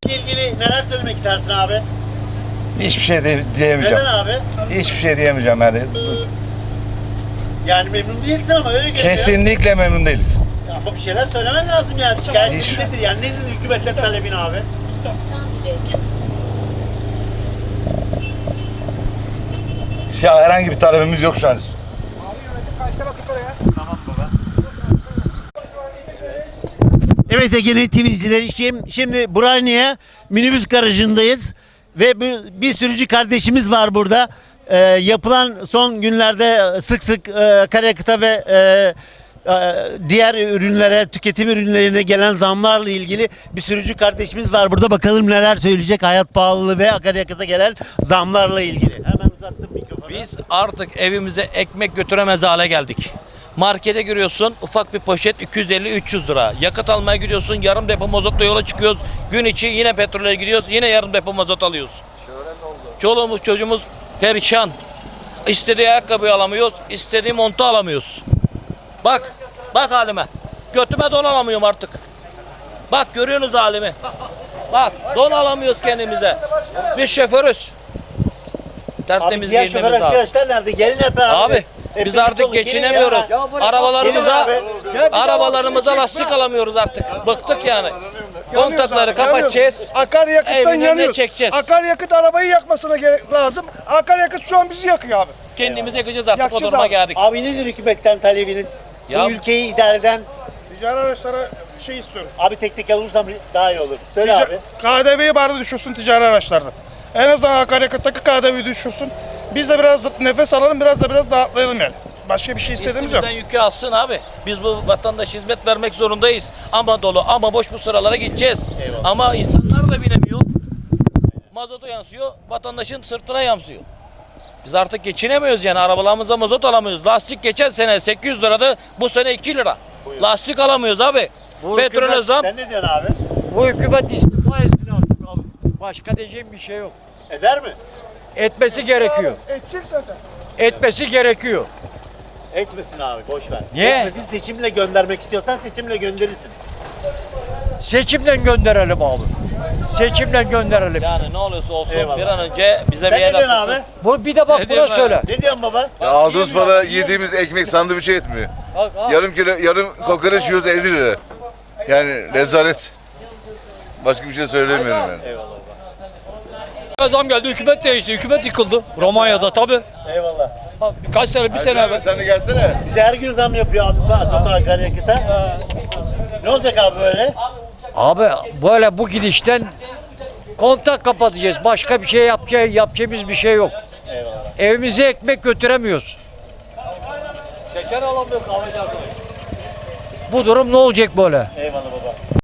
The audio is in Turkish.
ilgili neler söylemek istersin abi? Hiçbir şey diyemeyeceğim. Neden abi? Hiçbir şey diyemeyeceğim yani. Yani memnun değilsin ama öyle görünüyor. Kesinlikle memnun değiliz. Ama bir şeyler söylemen lazım yani. Şikayet Hiç. nedir yani? Nedir hükümetten talebin abi? Ya herhangi bir talebimiz yok şu an. Evet Ege'nin TV izleyicileri, şimdi Burhaniye minibüs garajındayız ve bir sürücü kardeşimiz var burada. Yapılan son günlerde sık sık akaryakıta ve diğer ürünlere, tüketim ürünlerine gelen zamlarla ilgili bir sürücü kardeşimiz var burada. Bakalım neler söyleyecek hayat pahalılığı ve akaryakıta gelen zamlarla ilgili. Hemen uzattım mikrofonu. Biz artık evimize ekmek götüremez hale geldik. Markete giriyorsun, ufak bir poşet 250-300 lira. Yakıt almaya gidiyorsun, yarım depo mazotla yola çıkıyoruz. Gün içi yine petrole gidiyoruz, yine yarım depo mazot alıyoruz. Çoluğumuz çocuğumuz perişan. İstediği ayakkabıyı alamıyoruz, istediği montu alamıyoruz. Bak halime. Götüme don alamıyorum artık. Bak görüyorsunuz halimi. Bak don alamıyoruz kendimize. Biz şoförüz. Tertemiz diğer şoför giyinmemiz lazım. arkadaşlar nerede? Gelin hep beraber. Abi biz artık geçinemiyoruz. Arabalarımıza lastik alamıyoruz artık. Bıktık yani. Kontakları kapatacağız. Akaryakıttan Evin önüne yanıyoruz. çekeceğiz. Akaryakıt arabayı yakmasına lazım. Akaryakıt şu an bizi yakıyor abi. Kendimiz yakacağız artık, o Yakacağız duruma abi. geldik. Abi nedir hükümetten talebiniz? Ya- Bu ülkeyi idare eden, Ticari araçlara şey istiyoruz. abi tek tek alırsam daha iyi olur. Söyle abi. KDV'yi bari düşürsün ticari araçlarda. En azından akaryakıttaki KDV'yi düşürsün. Biz de biraz nefes alalım, biraz rahatlayalım yani. Başka bir şey istediğimiz yok. Üstümüzden yükü alsın abi. Biz bu vatandaş hizmet vermek zorundayız. Ama dolu ama boş bu sıralara gideceğiz. Eyvallah. Ama insanlar da binemiyor. Mazotu yansıyor, vatandaşın sırtına yansıyor. Biz artık geçinemiyoruz yani, arabalarımıza mazot alamıyoruz. Lastik geçen sene 800 liradı, bu sene 2 lira. Lastik alamıyoruz abi. Petrole zam. Sen ne diyorsun abi? Bu hükümet istifa etsin artık abi. Başka diyeceğim bir şey yok. Eder mi? Etmesi gerekiyor. Edecek zaten. Etmesi gerekiyor. Etmesin abi, boş ver. Niye? Etmesin, seçimle göndermek istiyorsan seçimle gönderirsin. Seçimle gönderelim abi. Seçimle gönderelim. Yani ne olursa olsun Eyvallah. bir an önce bize Sen bir ne el diyorsun atılsın. abi? Bu bir de bak Ne buna diyorsun abi? söyle. Ne diyorsun baba? Ya aldığımız para yediğimiz ekmek sandviçe etmiyor. Yarım kokoreç yiyoruz 50 lira. Yani rezalet. Başka bir şey söylemiyorum yani. Zam geldi, hükümet değişti, hükümet yıkıldı. Romanya'da tabii. Eyvallah. Kaç sene, bir sene evvel. Sen de gelsene. Bize her gün zam yapıyor abi mazot akaryakıta. Ne olacak abi böyle? Abi böyle bu gidişten kontak kapatacağız. Başka bir şey yapacağımız bir şey yok. Eyvallah. Evimize ekmek götüremiyoruz. Şeker alamıyor kahveci arkadaş. Bu durum ne olacak böyle? Eyvallah baba.